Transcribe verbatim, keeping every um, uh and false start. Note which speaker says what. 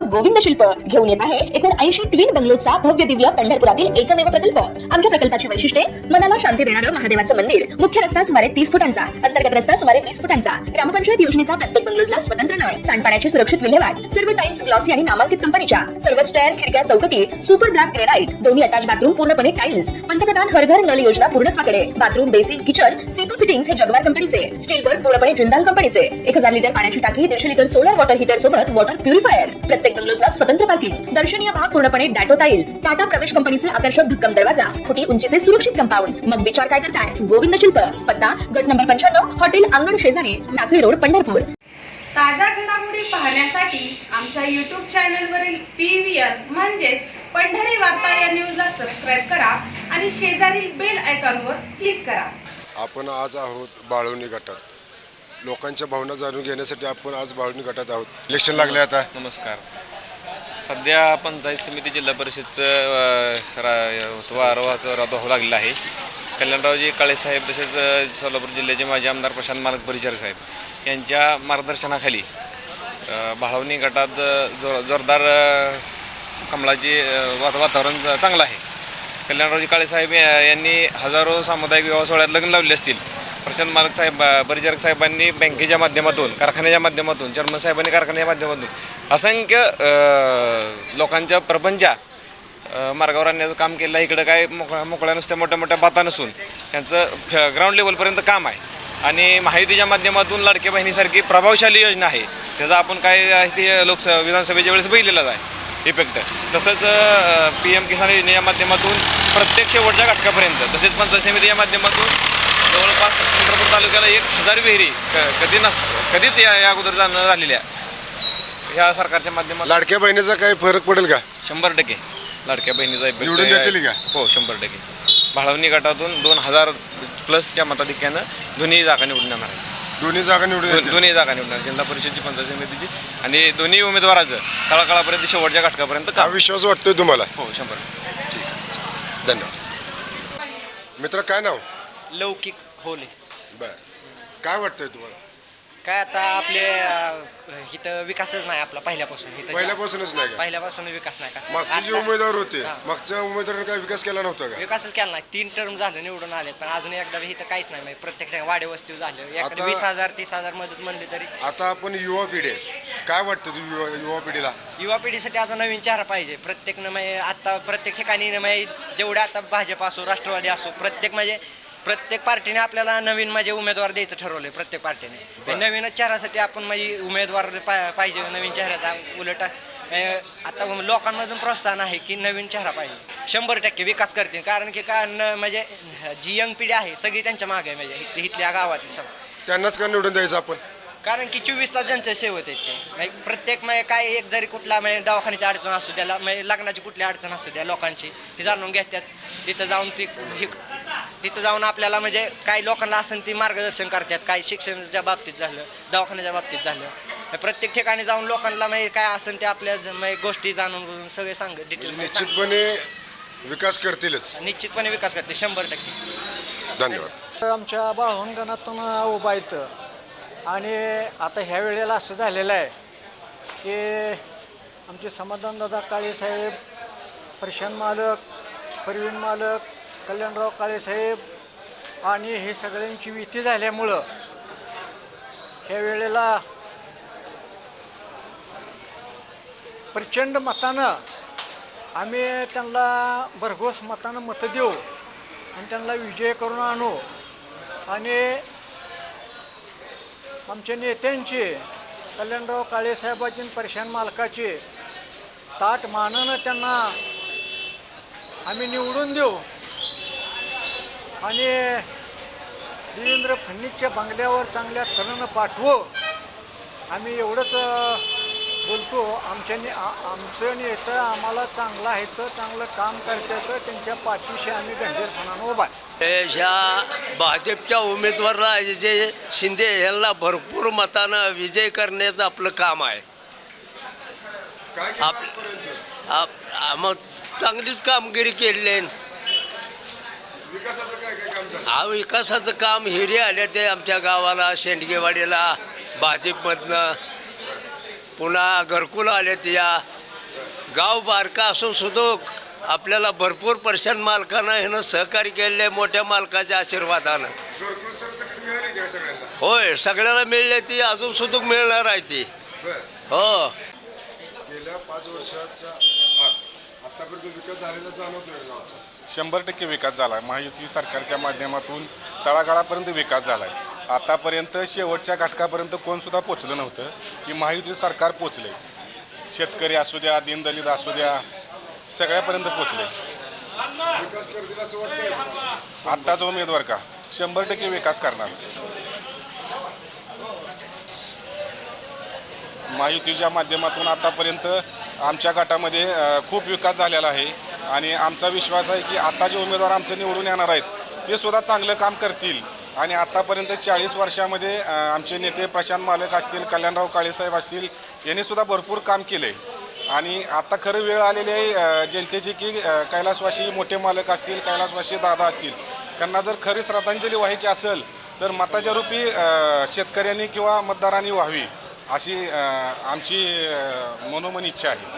Speaker 1: गोविंद शिल्प घेऊन येत आहे एकूण ऐंशी ट्विन बंगलोचा भव्य दिव्य पंढरपुरातील एकमेव प्रकल्प। आमच्या प्रकल्पाची वैशिष्ट्ये मनाला शांती देणारं महादेवाचं मंदिर, मुख्य रस्ता सुमारे तीस फुटांचा, अंतर्गत रस्ता सुमारे वीस फुटांचा, ग्रामपंचायत योजनेचा प्रत्येक बंगलोजला स्वतंत्र नळ, सांडपाण्याची सुरक्षित विल्हेवाट, सर्व टाइल्स ग्लॉसी आणि नामांकित कंपनीच्या, सर्व स्टेअर, खिडक्या, चौकटी सुपर ब्लॅक ग्रेनाइट, दोन्ही अटॅच बाथरूम पूर्णपणे टाइल्स, पंतप्रधान हर घर नल योजना पूर्णत्वाकडे, bathroom, basin, kitchen CP fittings हे जगवार कंपनीचे, स्टील वर्क पूर्णपणे जिंदाल कंपनीचे, एक हजार लिटर पाण्याची टाकी, दीडशे लिटर सोलर वॉटर हीटर सोबत वॉटर प्युरिफायर, प्रत्येक बंगलोजला स्वतंत्र पार्किंग, दर्शनीय भाग पूर्णपणे डॅटो टाइल्स, टाटा प्रवेश कंपनीचे आकर्षक भक्कम दरवाजा, फुटी उंचीचे सुरक्षित कंपाऊंड। मग विचार काय करताय? गोविंद शिल्प, पत्ता गट नंबर पंच्याण्णव, हॉटेल अंगण शेजारी, टाकळी रोड, पंढरपूर।
Speaker 2: ताज्या घडामोडी पाहण्यासाठी आमच्या यूट्यूब चॅनलवरील पी व्ही आर म्हणजेच पंढरी वार्ता या न्यूजला सबस्क्राईब करा आणि शेजारील बेल आयकॉनवर क्लिक करा।
Speaker 3: आपण आज आहोत बाळवणी गटात। लोकांच्या भावना जाणून घेण्यासाठी आपण आज बाळवणी गटात आहोत। इलेक्शन लागले आता।
Speaker 4: नमस्कार। सध्या पंचायत समिती जिल्हा परिषदचं वारंवारचं रद्द होऊ लागलेलं आहे। कल्याणरावजी काळे साहेब तसेच सोलापूर जिल्ह्याचे माजी आमदार प्रशांत मालक परिचारक साहेब यांच्या मार्गदर्शनाखाली बाळवणी गटात जोर जोरदार कमळाचे वातावरण चांगलं आहे। कल्याणरावजी काळे साहेब यांनी हजारो सामुदायिक विवाह सोहळ्यात लग्न लावले असतील। प्रशांत मालक साहेब परिचारक साहेबांनी बँकेच्या माध्यमातून, कारखान्याच्या माध्यमातून, चेअरमन साहेबांनी कारखान्याच्या माध्यमातून असंख्य लोकांच्या प्रपंचा मार्गावर आणण्याचं काम केलं आहे। इकडं काय मोकळ्या मोकळ्या नुसत्या मोठ्या मोठ्या बाता नसून त्यांचं ग्राउंड लेवलपर्यंत काम आहे। आणि महायुतीच्या माध्यमातून लाडक्या बहिणीसारखी प्रभावशाली योजना आहे, त्याचा आपण काय ते लोकसभा विधानसभेच्या वेळेस बघितलेलाच आहे इफेक्ट। तसंच पी एम किसान योजनेच्या माध्यमातून प्रत्येक शेवटच्या घटकापर्यंत, तसेच पंचायत समितीच्या माध्यमातून जवळपास पंढरपूर तालुक्याला एक हजार विहिरी कधी नस कधीच या या अगोदर जाणं झालेल्या ह्या सरकारच्या माध्यमातून।
Speaker 3: लाडक्या बहिणीचा काही फरक पडेल का?
Speaker 4: शंभर टक्के लाडक्या बहिणीचा
Speaker 3: निवडून देतील का?
Speaker 4: हो, शंभर टक्के। बाळवणी गटातून दोन हजार प्लसच्या मताधिक्यानं दोन्ही जागा निवडून येणार आहेत।
Speaker 3: दोन्ही जागा निवडून
Speaker 4: दोन्ही जागा निवडणार, जिल्हा परिषदची, पंचायत समितीची, आणि दोन्ही उमेदवाराचं तळागाळापर्यंत शेवटच्या घटकापर्यंत
Speaker 3: हा विश्वास वाटतोय तुम्हाला?
Speaker 4: हो, शंभर।
Speaker 3: धन्यवाद। मित्र, काय नाव?
Speaker 5: लौकिक होले।
Speaker 3: बर, काय वाटतंय तुम्हाला?
Speaker 5: काय आता आपले इथं विकासच नाही आपला पहिल्यापासून। इथं
Speaker 3: पहिल्यापासूनच नाही का?
Speaker 5: पहिल्यापासून विकास नाही कसं।
Speaker 3: मागचे जे
Speaker 5: आता
Speaker 3: उमेदवार होते,
Speaker 5: हां.
Speaker 3: मागच्या उमेदवारांनी काय विकास केला नव्हता का?
Speaker 5: विकासच केला नाही। तीन टर्म झालं निवडून आलेत, पण अजून एकदा इथं काहीच नाही। म्हणजे प्रत्येक ठिकाणी वाडे वस्ती झालं, एखादी
Speaker 3: आता-
Speaker 5: वीस हजार तीस हजार मदत म्हणली तरी।
Speaker 3: आता आपण युवा पिढी आहे, काय वाटतं तू युवा युवा पिढीला?
Speaker 5: युवा पिढीसाठी आता नवीन चेहरा पाहिजे प्रत्येकनं। म्हणजे आता प्रत्येक ठिकाणी म्हणजे जेवढे आता भाजप असो, राष्ट्रवादी असो, प्रत्येक म्हणजे प्रत्येक पार्टीने आपल्याला नवीन म्हणजे उमेदवार द्यायचं ठरवलंय प्रत्येक पार्टीने। नवीनच चेहऱ्यासाठी आपण म्हणजे उमेदवार पाहिजे नवीन चेहऱ्याचा। उलट आता लोकांमधून प्रोत्साहन आहे की नवीन चेहरा पाहिजे, शंभर टक्के विकास करतील। कारण की का म्हणजे जी यंग पिढी आहे सगळी त्यांच्या मागे आहे, म्हणजे इथल्या गावातील सगळं
Speaker 3: त्यांनाच का निवडून द्यायचं आपण?
Speaker 5: कारण की चोवीस तास ज्यांचं सेवत आहेत ते म्हणजे प्रत्येक म्हणजे काय एक जरी कुठला म्हणजे दवाखान्याची अडचण असू द्या, म्हणजे लग्नाची कुठली अडचण असू द्या, लोकांची ती जाणून घेतात। तिथं जाऊन ती तिथं जाऊन आपल्याला म्हणजे काही लोकांना असेल ती मार्गदर्शन करतात। काही शिक्षणाच्या बाबतीत झालं, दवाखान्याच्या बाबतीत झालं, प्रत्येक ठिकाणी जाऊन लोकांना म्हणजे काय असेल ते आपल्या म्हणजे गोष्टी जाणून सगळे सांग डिटेल
Speaker 3: निश्चितपणे विकास करतीलच,
Speaker 5: निश्चितपणे विकास करते, शंभर टक्के।
Speaker 3: धन्यवाद।
Speaker 6: आमच्या बाळवण गणातून उभा येतं आणि आता ह्या वेळेला असं झालेलं आहे की आमचे समाधानदादा काळे साहेब, प्रशांत मालक, प्रवीण मालक, कल्याणराव काळे साहेब आणि हे सगळ्यांची युती झाल्यामुळं ह्या वेळेला प्रचंड मतानं आम्ही त्यांना भरघोस मतानं मतं देऊ आणि त्यांना विजय करून आणू। आणि आमच्या नेत्यांचे कल्याणराव काळे साहेबाची, प्रशांत मालकाचे ताट मानानं त्यांना आम्ही निवडून देऊ आणि देवेंद्र फडणवीसच्या बंगल्यावर चांगल्या तऱ्हेनं पाठवू। आम्ही एवढंच बोलतो। आमच्या ने आमचं नेतं आम्हाला चांगलं आहे, तर चांगलं काम करतात, त्यांच्या पाठीशी आम्ही गंभीरपणानं उभा आहे।
Speaker 7: ह्या भाजपच्या उमेदवाराला जे शिंदे यांना भरपूर मतानं विजय करण्याचं आपलं काम आहे। आप मग चांगलीच कामगिरी केली आहे। हा विकासाचं काम हिरे आले ते आमच्या गावाला, शेंडगेवाडीला भाजपमधनं, पुन्हा घरकुल आले त्या गाव बारका असून सुद्धा आपल्याला भरपूर पर्सेंट मालकांना ह्यानं सहकार्य केलेलं आहे मोठ्या मालकाच्या आशीर्वादानं.
Speaker 3: घरकुल सरसकट मिळाली त्या सगळ्यांना.
Speaker 7: होय, सगळ्याला मिळले ती अजून सुद्धा मिळणार आहे ती.
Speaker 3: बरं.
Speaker 7: हो,
Speaker 3: गेल्या पाच वर्षाच्या आत आतापर्यंत विकास झालेला जाणवतोय गावचा.
Speaker 8: शंभर टक्के विकास झाला आहे. महायुती सरकारच्या माध्यमातून तळागाळापर्यंत विकास झाला आहे. आतापर्यंत शेवटच्या घटकापर्यंत कोणसुद्धा पोचलं नव्हतं की महायुती सरकार पोचले. शेतकरी असू द्या, दीनदलित असू द्या, सगळ्यापर्यंत पोचले.
Speaker 3: विकास करतील असं वाटतंय.
Speaker 8: आत्ताचा उमेदवार का शंभर टक्के विकास करणार. महायुतीच्या माध्यमातून आतापर्यंत आमच्या गटामध्ये अ, खूप विकास झालेला आहे आणि आमचा विश्वास आहे की आता जे उमेदवार आमचे निवडून येणार आहेत ते सुद्धा चांगलं काम करतील. आणि आत्तापर्यंत चाळीस वर्षामध्ये अ, आमचे नेते प्रशांत मालक असतील, कल्याणराव काळेसाहेब असतील, यांनी सुद्धा भरपूर काम केले. आणि आता खरं वेळ आलेली आहे अ, जनतेची की अ, कैलासवासी मोठे मालक असतील, कैलासवासी दादा असतील, त्यांना जर खरी श्रद्धांजली व्हायची असेल तर मताच्या रूपी अ, शेतकऱ्यांनी किंवा मतदारांनी व्हावी अशी अ, आमची अ, मनोमन इच्छा आहे.